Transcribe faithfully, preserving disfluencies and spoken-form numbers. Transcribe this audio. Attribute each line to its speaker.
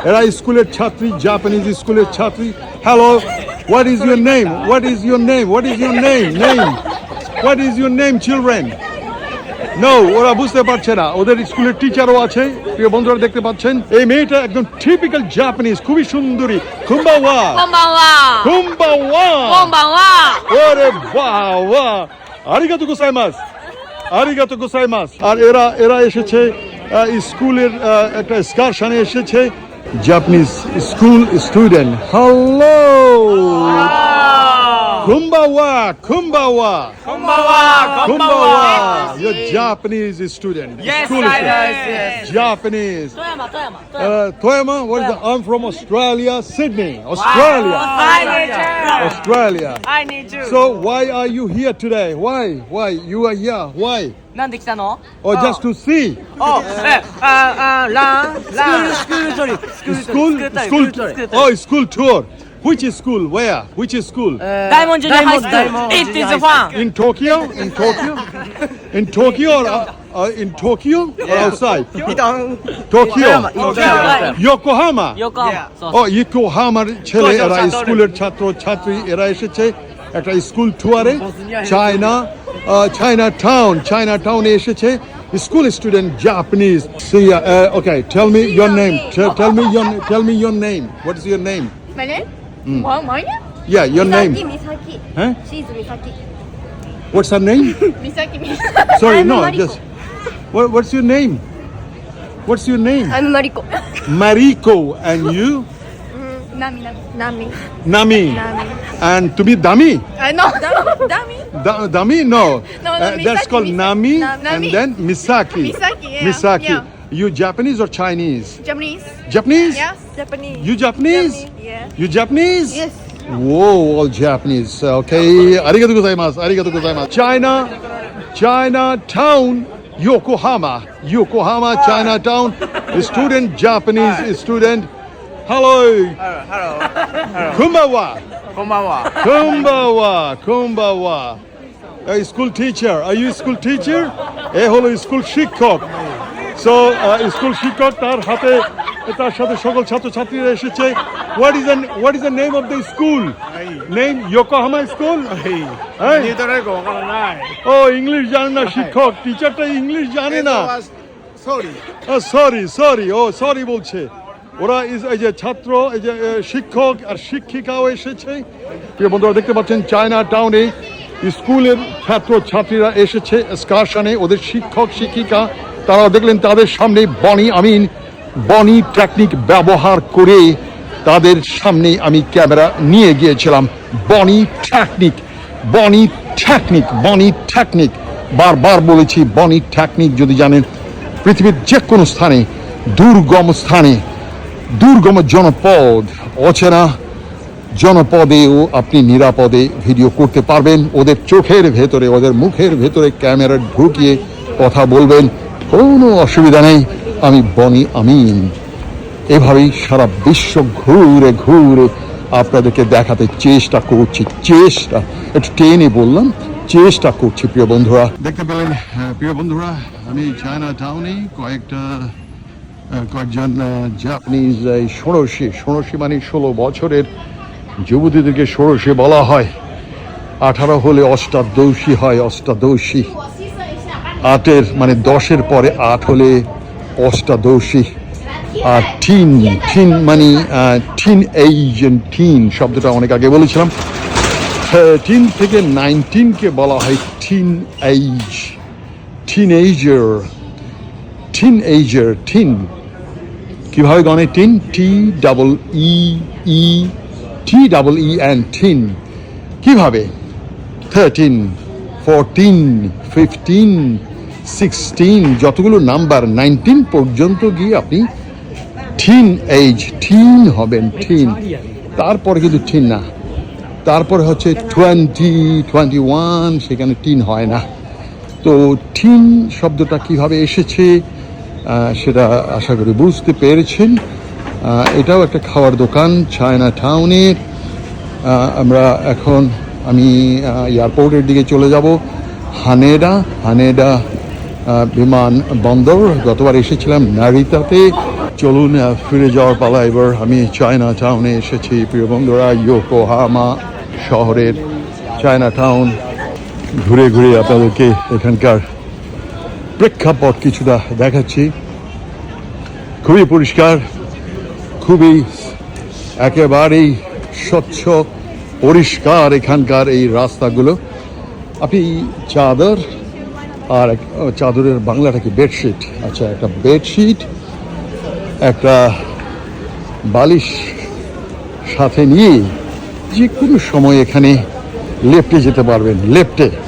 Speaker 1: এরা স্কুলের ছাত্রী, জাপানিজ স্কুলের ছাত্রী। Hello, what is your name? What is your name? What is your name? Name what is your name children? No, ওরা বুঝতে পারছে না। ওদের স্কুলের টিচারও আছে। প্রিয় বন্ধুরা দেখতে পাচ্ছেন এই মেয়েটা একদম টিপিক্যাল জাপানিজ, খুবই সুন্দরী। কুম্বাওয়া
Speaker 2: কুম্বাওয়া
Speaker 1: কুম্বাওয়া
Speaker 2: কুম্বাওয়া।
Speaker 1: ওরে বাবা, আরিগাতো গোসাইমাসু, আরিগাতো গোসাইমাসু। আর এরা এরা এসেছে স্কুলের একটা এক্সকারশনে এসেছে, Japanese school student. Hello, Kumbawa, Kumbawa,
Speaker 3: Kumbawa,
Speaker 1: Kumbawa. You're Japanese student.
Speaker 3: Yes,
Speaker 1: School
Speaker 3: I
Speaker 1: student.
Speaker 3: yes.
Speaker 1: Japanese.
Speaker 2: Toyama, Toyama,
Speaker 1: Uh, Toyama, what is the? I'm from Australia, Sydney, Australia,
Speaker 3: I need you.
Speaker 1: Australia.
Speaker 3: I need you.
Speaker 1: So why are you here today? Why? Why you are here? Why?
Speaker 3: なんで来たの?
Speaker 1: Or just to see?
Speaker 3: Oh, eh, uh, uh, ラン、ラン。スクールトリップ。
Speaker 1: School, school, oh, school tour. Which is school? Where? Which is school?
Speaker 3: Diamond Junior High School. It is fun.
Speaker 1: In Tokyo? In Tokyo? In Tokyo or uh, uh, in Tokyo or outside? Tokyo. Yokohama.
Speaker 3: Yokohama.
Speaker 1: ও ইয়োকোহামার ছেলে এরা স্কুলের ছাত্র ছাত্রী এরা এসেছে একটা স্কুল টুয়ারে চায়না চায়না টাউন চায়না টাউনে এসেছে school student Japanese okay tell me your name tell me your tell me your name what is your name
Speaker 2: My name? What, my name?
Speaker 1: Yeah, your name.
Speaker 2: Misaki, Misaki.
Speaker 1: Huh?
Speaker 2: She's Misaki.
Speaker 1: What's her name?
Speaker 2: Misaki, Misaki.
Speaker 1: Sorry,
Speaker 2: I'm
Speaker 1: no,
Speaker 2: Mariko.
Speaker 1: just what, what's your name? What's your name?
Speaker 2: I'm Mariko.
Speaker 1: Mariko. And you?
Speaker 2: Nami, Nami. Nami.
Speaker 1: Nami.
Speaker 2: Nami.
Speaker 1: And to be Dami?
Speaker 2: I know. Dami.
Speaker 1: Da- Dami? No.
Speaker 2: No, no,
Speaker 1: Uh, that's
Speaker 2: Misaki,
Speaker 1: called
Speaker 2: Misaki.
Speaker 1: Nami,
Speaker 2: Nami.
Speaker 1: and then Misaki.
Speaker 2: Misaki, yeah.
Speaker 1: Misaki.
Speaker 2: Yeah.
Speaker 1: You Japanese or Chinese?
Speaker 2: Japanese.
Speaker 1: Japanese?
Speaker 2: Yes. Japanese.
Speaker 1: You Japanese?
Speaker 2: Yeah.
Speaker 1: You Japanese?
Speaker 2: Yes.
Speaker 1: Whoa, all Japanese. Okay. Arigatou gozaimasu. Arigatou gozaimasu. China, Chinatown, Yokohama. Yokohama, Chinatown. Student, Japanese student. Hello.
Speaker 3: Hello.
Speaker 1: Kumbawa.
Speaker 3: こんばんは。
Speaker 1: Kumbawa. Kumbawa. A school teacher. Are you a school teacher? এ হলো school শিক্ষক। So, school শিক্ষক তার হাতে তার সাথে সকল ছাত্রছাত্রীরা এসেছে। What is the what is the name of the school? Name Yokohama School? হ্যাঁ? ও ইংলিশ জানে না শিক্ষক, টিচারটা ইংলিশ জানে না।
Speaker 4: Sorry.
Speaker 1: সরি সরি ও সরি বলছে। ওরা এই যে ছাত্র এই যে শিক্ষক আর শিক্ষিকাও এসেছে। প্রিয় বন্ধুরা দেখতে পাচ্ছেন চায়না টাউনে স্কুলের ছাত্র ছাত্রীরা এসেছে এক্সকারশনে। ওদের শিক্ষক শিক্ষিকা তারা দেখলেন তাদের সামনে বনি আমিন বনি টেকনিক ব্যবহার করে তাদের সামনে আমি ক্যামেরা নিয়ে গিয়েছিলাম। বনি টেকনিক বনি টেকনিক বনি টেকনিক বারবার বলেছি বনি টেকনিক যদি জানেন পৃথিবীর যে কোনো স্থানে দুর্গম স্থানে দুর্গম জনপদ অচেনা জনপদেও আপনি নিরাপদে ভিডিও করতে পারবেন। ওদের চোখের ভেতরে ওদের মুখের ভেতরে ক্যামেরা ঢুকিয়ে কথা বলবেন, কোনো অসুবিধা নেই। আমি বনি আমিন এভাবেই সারা বিশ্ব ঘুরে ঘুরে আপনাদেরকে দেখাতে চেষ্টা করছি। চেষ্টা একটু টেনে বললাম, চেষ্টা করছি। প্রিয় বন্ধুরা দেখতে পেলেন, প্রিয় বন্ধুরা আমি চায়না টাউনে কয়েকটা কয়েকজন জাপানিজ এই ষোড়শী ষোড়শী মানে ষোলো বছরের যুবতীদেরকে ষোড়শী বলা হয়। আঠারো হলে অষ্টাদশী হয়, অষ্টাদশী। আটের মানে দশের পরে আট হলে অষ্টাদশী। আর টিন টিন মানে টিন এইজ টিন শব্দটা অনেক আগে বলেছিলাম। টিন থেকে নাইনটিনকে বলা হয় teenage, teenager, teenager. Teen কিভাবে গণে? Teen T double E E T double E and teen কিভাবে? থার্টিন, ফোরটিন, ফিফটিন, সিক্সটিন, যতগুলো নাম্বার নাইনটিন পর্যন্ত গিয়ে আপনি টিন এইজ টিন হবেন। টিন তারপরে কিন্তু টিন না, তারপরে হচ্ছে টোয়েন্টি, টোয়েন্টি ওয়ান, সেখানে টিন হয় না। তো টিন শব্দটা কিভাবে এসেছে সেটা আশা করি বুঝতে পেরেছেন। এটাও একটা খাওয়ার দোকান চায়না টাউনের। আমরা এখন আমি এয়ারপোর্টের দিকে চলে যাব। হানেডা হানেডা বিমান বন্দর, গতবার এসেছিলাম নারিতাতে, চলুন আহ, ফিরে যাওয়ার পালা এবার। আমি চায়না টাউনে এসেছি প্রিয় বন্ধুরা, ইয়োকোহামা শহরের চায়না টাউন। ঘুরে ঘুরে আপনাদেরকে এখানকার প্রেক্ষাপট কিছুটা দেখাচ্ছি। খুবই পরিষ্কার, খুবই একেবারেই স্বচ্ছ পরিষ্কার এখানকার এই রাস্তাগুলো। আপনি চাদর আর এক- ও, চাদরের বাংলাটা কি? বেডশিট। আচ্ছা, একটা বেডশিট, একটা বালিশ সাথে নিয়ে যে কোনো সময় এখানে লেফটে যেতে পারবেন, লেফটে।